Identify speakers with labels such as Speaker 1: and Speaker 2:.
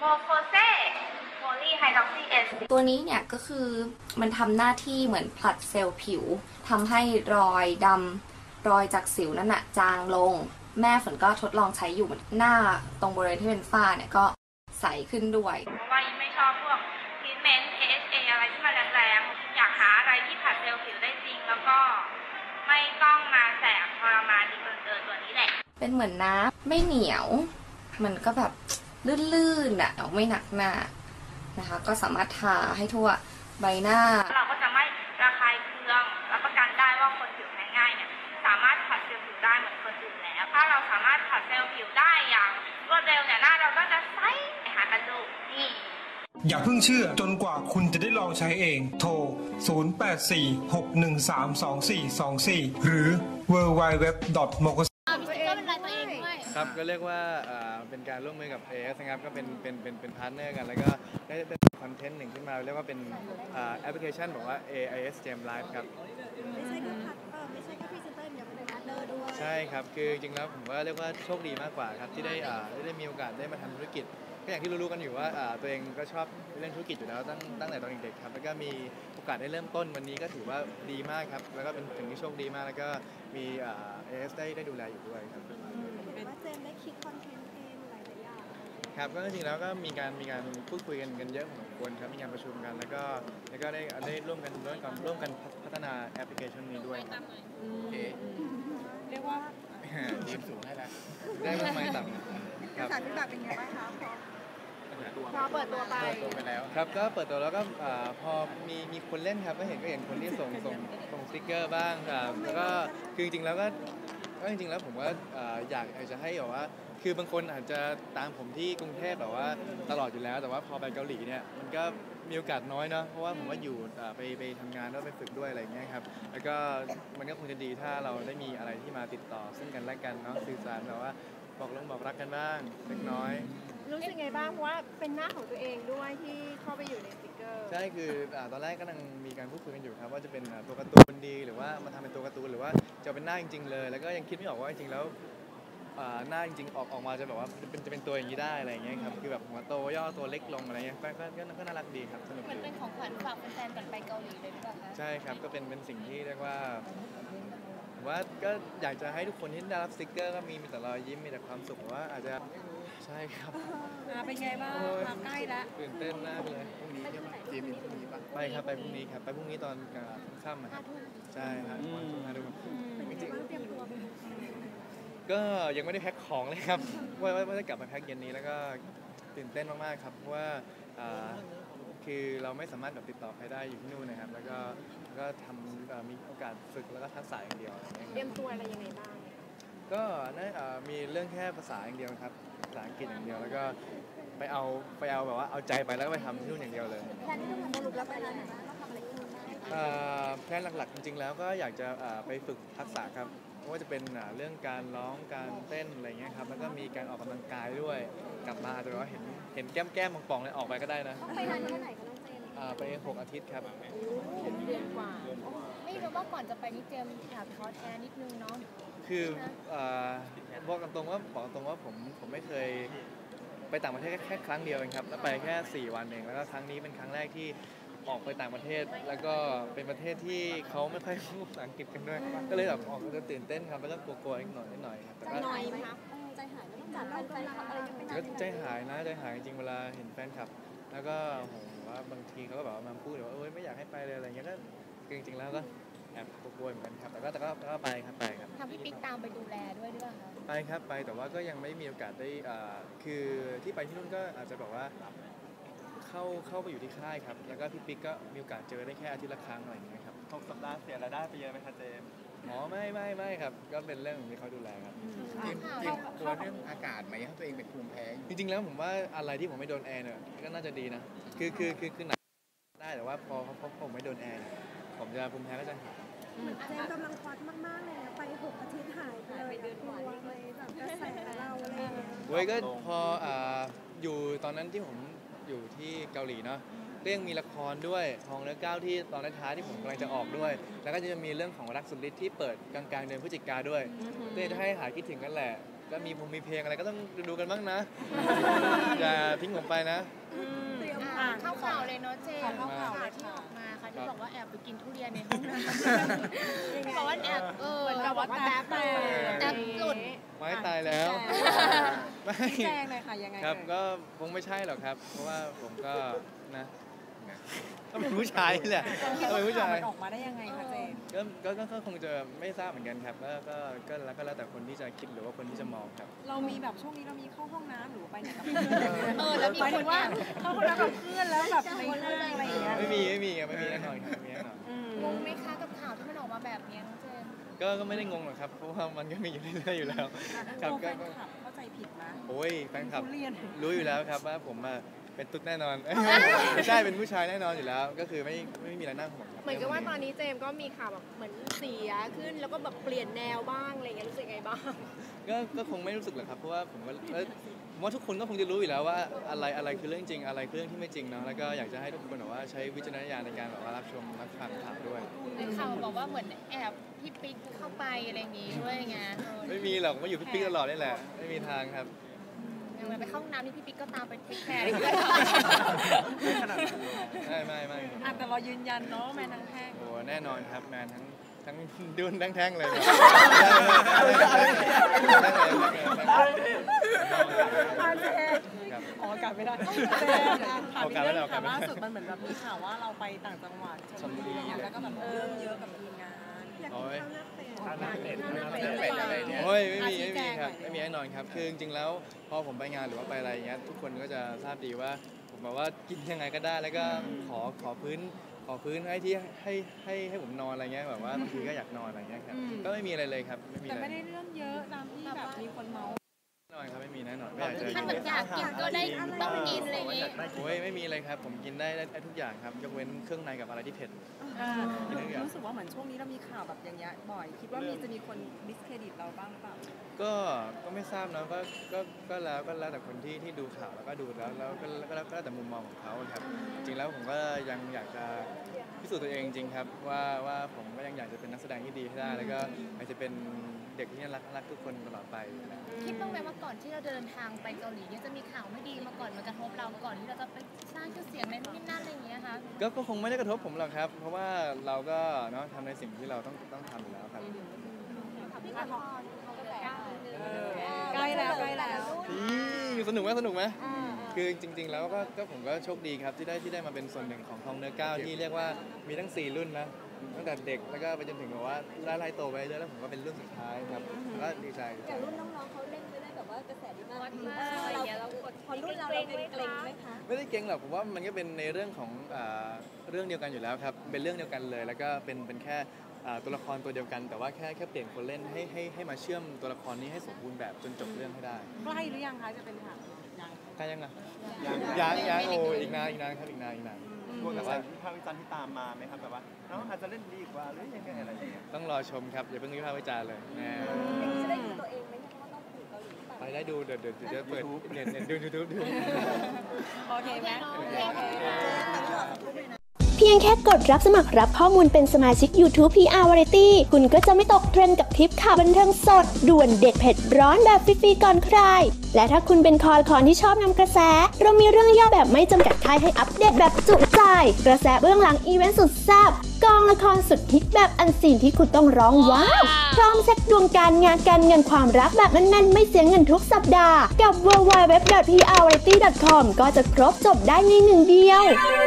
Speaker 1: โมโคเซโพลีไฮดรอกซีเอส
Speaker 2: ตัวนี้เนี่ยก็คือมันทำหน้าที่เหมือนผลัดเซลล์ผิวทำให้รอยดำรอยจากสิวนั่นน่ะจางลงแม่ฝนก็ทดลองใช้อยู่หน้าตรงบริเวณที่เป็นฝ้าเนี่ยก็ใสขึ้นด้วย
Speaker 1: เพราะว่ายิ่งไม่ชอบพวกทรีทเมนต์ AHA อะไรที่มันแรงๆอยากหาอะไรที่ผลัดเซลล์ผิวได้จริงแล้วก็ไม่ต้องมาแสบทรมานดีเกินตัวนี้แหละ
Speaker 2: เป็นเหมือนน้ำไม่เหนียวมันก็แบบลื่นๆอ่ะไม่หนักหน้านะคะก็สามารถทาให้ทั่วใบหน้า
Speaker 1: เราก็จะไม่ระคายเคืองรับประกันได้ว่าคนผิวแพ้ง่ายเนี่ยสามารถผัดเซลล์ผิวได้เหมือนคนอื่นแล้วถ้าเราสามารถผัดเซลล์ผิวได้อย่างรวดเร็วเนี่ยหน้าเราก็จะใสหากันดูนี่
Speaker 3: อย่าเพิ่งเชื่อจนกว่าคุณจะได้ลองใช้เองโทร 0846132424 หรือ www.mokos
Speaker 4: ครับก็เรียกว่าเป็นการร่วมมือกับ AS นะครับก็เป็นพาร์ทเนอร์กันแล้วก็ได้เป็นคอนเทนต์หนึ่งขึ้นมาเรียกว่าเป็นแอปพลิเคชันบอกว่า AIS Gem Live ครับ
Speaker 5: ไม่ใช่แค่พรีเซนเตอร์เดี๋ยวเป็นพาร์ทเนอร์ด้วย
Speaker 4: ใช่ครับคือจริงๆแล้วผมว่าเรียกว่าโชคดีมากกว่าครับที่ได้มีโอกาสได้มาทำธุรกิจก็อย่างที่รู้ๆกันอยู่ว่าตัวเองก็ชอบเรื่องธุรกิจอยู่แล้วตั้งแต่ตอนเด็กๆครับแล้วก็มีโอกาสได้เริ่มต้นวันนี้ก็ถือว่าดีมากครับแล้วก็เป็นถึงที่โชคดีมากแล้วก็มีAS ได้ดูแลอยู่ด้วยครับ
Speaker 5: ว่าเจมได้คิดคอนเทนต์เองหลายอย่าง
Speaker 4: ครับก็จริงๆแล้วก็มีการพูดคุยกันเยอะพอสมควรครับมีการประชุมกันแล้วก็ได้ร่วมกันพัฒนาแอปพลิเคชันนี้ด้วย
Speaker 5: เรียกว่า
Speaker 4: ยืนสูงให้แล้วได้มากมายต่ำ
Speaker 5: ครับสารที่แบบเป็นไงบ้างคะพอเปิดตัวไป
Speaker 4: แล้วครับก็เปิดตัวแล้วก็พอมีคนเล่นครับก็เห็นคนที่ส่งสติ๊กเกอร์บ้างครับแล้วก็คือจริงๆแล้วผมว่าอยากจะให้แบบว่าคือบางคนอาจจะตามผมที่กรุงเทพแบบว่าตลอดอยู่แล้วแต่ว่าพอไปเกาหลีเนี่ยมันก็มีโอกาสน้อยเนาะเพราะว่าผมว่าอยู่ไปทำงานแล้วไปฝึกด้วยอะไรเงี้ยครับแล้วก็มันก็คงจะดีถ้าเราได้มีอะไรที่มาติดต่อซึ่งกันและกันเนาะสื่อสารแบบว่าบอกรักกันบ้างเล็กน้อย
Speaker 5: รู้สึกไงบ้างเพราะว่าเป็นหน้าของตัวเองด้วยที่เข้าไปอยู่ในสติกเกอร์
Speaker 4: ใช่คือตอนแรกก็กำลังมีการพูดคุยกันอยู่ครับว่าจะเป็นตัวการ์ตูนดีหรือว่ามาทำเป็นตัวการ์ตูนหรือว่าจะเป็นหน้าจริงๆเลยแล้วก็ยังคิดไม่ออกว่าจริงๆแล้วหน้าจริงๆออกมาจะแบบว่าจะเป็นตัวอย่างนี้ได้อะไรอย่างเงี้ยครับคือแบบหัวโตย่อตัวเล็กลงอะไรเงี้ยก็น่ารักดีครับสนุก
Speaker 6: ดีเป็นของขวัญฝากแฟนๆก่อนไปเกาหลีเลยหรือเปล่าคะ
Speaker 4: ใช่ครับก็เป็นสิ่งที่เรียกว่าก็อยากจะให้ทุกคนที่ได้รับสติ๊กเกอร์ก็มีแต่รอยยิ้มมีแต่ความสุขว่าอาจจะใช่ครับ
Speaker 5: เป็นไงบ้างมาใกล้แล้ว
Speaker 4: ตื่นเต้นมากเลยพรุ่งนี้จีมินพรุ่งนี้ไปครับไปพรุ่งนี้ครับไปพรุ่งนี้ตอนค่ำครับใช่ครับวันศุกร์5 ทุ่มก็ยังไม่ได้แพ็คของเลยครับว่าจะกลับมาแพ็คเย็นนี้แล้วก็ตื่นเต้นมากๆครับเพราะว่าคือเราไม่สามารถแบบติดต่อใครได้อยู่ที่นู่นนะครับแล้วก็ทำมีโอกาสฝึกแล้วก็ทักษะอย่างเดียว
Speaker 5: เตรียมตัวอะไรยังไงบ้าง
Speaker 4: ก็มีเรื่องแค่ภาษาอย่างเดียวครับภาษาอังกฤษอย่างเดียวแล้วก็ไปเอาแบบว่าเอาใจไปแล้วก็ไปทำที่นู่นอย่างเดียวเลย
Speaker 5: แพลนที่ต้องสรุปแล้วไปแล้วนะต้องทำอะไรที่นู่น
Speaker 4: แพลนหลักๆจริงๆแล้วก็อยากจะไปฝึกทักษะครับไม่ว่าจะเป็นเรื่องการร้องการเต้นอะไรเงี้ยครับแล้วก็มีการออกกำลังกายด้วยกลับมาแต่ว่าเห็นแก้มป่องๆเลยออกไปก็ได้นะ
Speaker 5: ไปนานแค่ไหนคะน้องเจน
Speaker 4: ไป6 อาทิตย์ครับ
Speaker 6: เดือนกว่าไม่รู้ว่าก่อนจะไปนี่เจมอยากท้อแท้นิดนึงเนาะ
Speaker 4: คือบอกตรงว่าผมไม่เคยไปต่างประเทศแค่ครั้งเดียวเองครับแล้วไปแค่4 วันเองแล้วก็ครั้งนี้เป็นครั้งแรกที่ออกไปต่างประเทศแล้วก็เป็นประเทศที่เขาไม่ค่อยพูดภาษาอังกฤษกันด้วยก็เลยแบบออกจะตื่นเต้นครับแล้วก็กลัวๆนิดหน่อยครับ
Speaker 5: ใจหน่อยไหมคะใจหายไม่ต้องจัดแฟนคลับอะไรกันไป
Speaker 4: ก็ใจหายจริงๆเวลาเห็นแฟนคลับแล้วก็ผมว่าบางทีเขาก็แบบมาพูดว่าไม่อยากให้ไปเลยอะไรเงี้ยก็จริงๆแล้วก็แอบกลัวเหมือนกันครับแต่ก็ไปครับ
Speaker 6: ทำพี่ปิ๊กตามไปดูแลด้วยหรือเปล่าคะ
Speaker 4: ไปครับไปแต่ว่าก็ยังไม่มีโอกาสได้คือที่ไปที่นู่นก็อาจจะแบบว่าเข้าไปอยู่ที่ค่ายครับแล้วก็พี่ปิ๊กก็มีโอกาสเจอได้แค่อาทิตย์ละครั้งอะไรอย่างเงี้ยครับ
Speaker 7: 6 สัปดาห์เสียรายได้ไปเยอะไหมคะเจม
Speaker 4: ไม่ครับก็เป็นเรื่องที่เขาดูแลครับ
Speaker 7: เตรียมตัวเรื่องอากาศไหมให้ตัวเองเป็นภูมิแพ้
Speaker 4: จริงๆแล้วผมว่าอะไรที่ผมไม่โดนแอร์เนี่ยก็น่าจะดีนะคือหนักได้แต่ว่าพอผมไม่โดนแอร์ผมจะภูมิแพ้ก็จะหาย
Speaker 5: เจมกำลังคอสมากๆเลยนะไป6 อาทิตย์หายไปเลยเดือนกว่าเลยแบบกระแสเราอะไรอย่างเงี้ย
Speaker 4: เว้ยก็พออยู่ตอนนั้นที่ผมอยู่ที่เกาหลีเนาะก็ยังมีละครด้วยทองเนื้อก้าวที่ตอนท้ายที่ผมกำลังจะออกด้วยแล้วก็จะมีเรื่องของรักสุดฤทธิ์ที่เปิดกลางเดือนพฤศจิกาด้วยเพื่อจะให้หายคิดถึงกันแหละก็มีเพลงอะไรก็ต้องดูกันบ้างนะ อย่าทิ้งผมไปนะ
Speaker 6: เข้าข่าวเลยเนาะเจมส์
Speaker 4: เข้าข่าว
Speaker 6: ที่ออกมาค่ะที่บอกว่าแอบไปกินทุเรียนในห้องน้ำบอกว่าแอบแบบว่าแท็บหลุด
Speaker 4: ไม้ตายแล้วไม่
Speaker 5: แจ้งเลยค่ะยังไง
Speaker 4: ครับก็คงไม่ใช่หรอกครับ เพราะว่าผมก็นะก็เป็นผู้ชายแหละก็เป็นผู้ชาย
Speaker 5: มันออกมาได้ยังไงคะเจม
Speaker 4: ก็คงจะไม่ทราบเหมือนกันครับก็แล้วแต่คนที่จะคิดหรือว่าคนที่จะมองครับ
Speaker 5: เรามีแบบช่วงนี้เรามีเข้าห้องน้ำหรือไปไหนกับ
Speaker 6: แล้วมีคนว่า
Speaker 5: เข้าห้องน้ำกับเพื่อนแล้วแบบในห้างอะไรอย่างเงี้ย
Speaker 4: ไม่มีแน่นอนครับไม่มีแน่นอน
Speaker 6: งงไหมคะกับข่าวที่มันออกมาแบบนี้น้องเจมส์
Speaker 4: ก็ไม่ได้งงหรอกครับ เพราะว่ามันก็มีอยู่เรื่อยๆอยู่แล้วครับ
Speaker 5: แฟนคลับเข้าใจผิดนะ
Speaker 4: โอ้ยแฟนคลับ
Speaker 5: ทุเรียน
Speaker 4: รู้อยู่แล้วครับว่าผมเป็นตุ๊ดแน่นอน ไม่ใช่เป็นผู้ชายแน่นอนอยู่แล้ว ก็คือไม่มีอะไรน่าห่วงครับ
Speaker 8: เหมือนกับว่าตอนนี้เจมส์ก็มีข่าวแบบเหมือนเสียขึ้นแล้วก็แบบเปลี่ยนแนวบ้างอะไรเงี้ยรู้สึกไงบ้าง
Speaker 4: ก็คงไม่รู้สึกหรอกครับเพราะว่าผมว่าทุกคนก็คงจะรู้อยู่แล้วว่าอะไรคือเรื่องจริงอะไรคือเรื่องที่ไม่จริงเนาะแล้วก็อยากจะให้ทุกคนแบบว่าใช้วิจารณญาณในการแบบว่ารับชมรับฟังข่าวด้วย
Speaker 6: ในข่าวบอกว่าเหมือนแอบพี่ปิ๊กเข้าไปอะไรอย่างงี้ด้วยไง
Speaker 4: ไม่มีหรอกมาอยู่พี่ปิ๊กตลอดนี่แหละไม่มีทางครับ
Speaker 6: อย่างไปเข้าห้องน้ำนี่พี่ปิ๊กก็ตามไปเทคแคร์ด้วย
Speaker 4: ไม่
Speaker 5: แต่เรายืนยันเนาะแมนนางแห้ง
Speaker 4: โอ้แน่นอนครับแมนทั้งดุนทั้งแท่งเลยครับ
Speaker 5: ออกอากาศไม่ได้
Speaker 4: ออกอากาศไม่ได้
Speaker 5: ล่าสุดมันเหมือนแบบมีข่าวว่าเราไปต่างจังหวัดชลบุรีอะไรเงี้ยแล้วก็แบบเริ่มเยอะกับทีมงาน
Speaker 4: โอ้ย
Speaker 7: อะไรเนี่ย
Speaker 4: โอ้ยไม่มีครับไม่มีแน่นอนครับคือจริงๆแล้วพอผมไปงานหรือว่าไปอะไรอย่างเงี้ยทุกคนก็จะทราบดีว่าผมแบบว่ากินยังไงก็ได้แล้วก็ขอพื้นให้ผมนอนอะไรเงี้ยแบบว่าบางทีก็อยากนอนอะไรเงี้ยครับก็ไม่มีอะไรเลยครับไม่มี
Speaker 5: แต่
Speaker 4: อะไร
Speaker 5: ไม่ได้เรื่องเยอะตามที่แบบมีคนเมา
Speaker 4: แน่นอนครับไม่มีแน่นอนไม่อยากจะ
Speaker 6: ถ้ามันอยากกินก็ได้ต้องกินอะไรอย่างงี้
Speaker 4: โอ้ยไม่มีเลยครับผมกินได้ทุกอย่างครับยกเว้นเครื่องในกับอะไรที่เผ็ด
Speaker 5: รู้สึกว่าเหมือนช่วงนี้เรามีข่าวแบบอย่างเงี้ยบ่อยคิดว่าจะมีคนดิสเครดิตเราบ้างหรือเปล่า
Speaker 4: ก็ไม่ทราบนะก็แล้วแต่คนที่ดูข่าวแล้วก็ดูแล้วก็แล้วแต่มุมมองของเขาครับจริงแล้วผมก็ยังอยากจะพิสูจน์ตัวเองจริงครับว่าผมก็ยังอยากจะเป็นนักแสดงที่ดีให้ได้แล้วก็อยากจะเป็นเด็กที่น่ารักทุกคนตลอดไป
Speaker 6: คิดบ้างไหมว่าก่อนที่เราเดินทางไปเกาหลีเนี่ยจะมีข่าวไม่ดีมาก่อนมันกระทบเราก่อนที่เราจะไปสร้างชื่อเสียงในนู่นนี่นั่นอะไรอย่างเงี้ยคะ
Speaker 4: ก็คงไม่ได้กระทบผมหรอกครับ เพราะว่าเราก็เนาะทำในสิ่งที่เราต้องทำอยู่แล้วครับ
Speaker 5: ใกล้แล้ว
Speaker 4: สนุกไหมคือจริงๆแล้วก็ผมก็โชคดีครับที่ได้มาเป็นส่วนหนึ่งของทองเนื้อก้าวที่เรียกว่ามีทั้ง4รุ่นนะตั้งแต่เด็กแล้วก็ไปจนถึงแบบว่าไล่โตไปเรื่อยแล้วผมก็เป็นรุ่นสุดท้ายครับก็ดีใจ
Speaker 8: แต่รุ่นน้องๆเขาเล่นไปได้แบบว่ากระแสดีมากเราพอรุ่นเราเกรงไหมคะ
Speaker 4: ไม่ได้เก่งหรอกผมว่ามันก็เป็นในเรื่องของเรื่องเดียวกันอยู่แล้วครับเป็นเรื่องเดียวกันเลยแล้วก็เป็นแค่ตัวละครตัวเดียวกันแต่ว่าแค่เปลี่ยนคนเล่นให้มาเชื่อมตัวละครนี้ให้สมบูรณ์แบบจนจบเรื่องให้ได้
Speaker 5: ใกล้หรือยังคะจะเป็นข่าวยัง
Speaker 4: ใกล้ยังอ่ะยังโอ้อีกนานครับอีกนาน
Speaker 9: กลัวกระแสวิพากษ์วิจารณ์ที่ตามมาไหมครับแบบว่าน้องอาจจะเล่นดีกว่าหรือยังไงอะไรอย่างเงี้ย
Speaker 4: ต้องรอชมครับอย่าเพิ่งวิพากษ์วิจารณ์เลยแน่
Speaker 8: จะได้ดูตัวเองไหมว่าต้องอยู่เกาหลีหรือเปล่า
Speaker 4: ไปได้ดูเดี๋ยวเปิดเน็ตดู YouTube ดู
Speaker 5: โอเคไหม
Speaker 10: เพียงแค่กดรับสมัครรับข้อมูลเป็นสมาชิก YouTube PR Variety คุณก็จะไม่ตกเทรนด์กับทริปข่าวบันเทิงสดด่วนเด็ดเผ็ดร้อนแบบฟรีๆก่อนใคร และถ้าคุณเป็นคอละคอนที่ชอบนำกระแส เรามีเรื่องย่อแบบไม่จำกัดท้ายให้อัปเดตแบบจุใจ กระแสเบื้องหลังอีเวนต์สุดแซ่บกองละครสุดฮิตแบบอันซีนที่คุณต้องร้องว้าวพร้อมเช็คดวงการงานการเงินความรักแบบแน่นๆไม่เสียเงินทุกสัปดาห์กับ www.prvariety.com ก็จะครบจบได้ในหนึ่งเดียว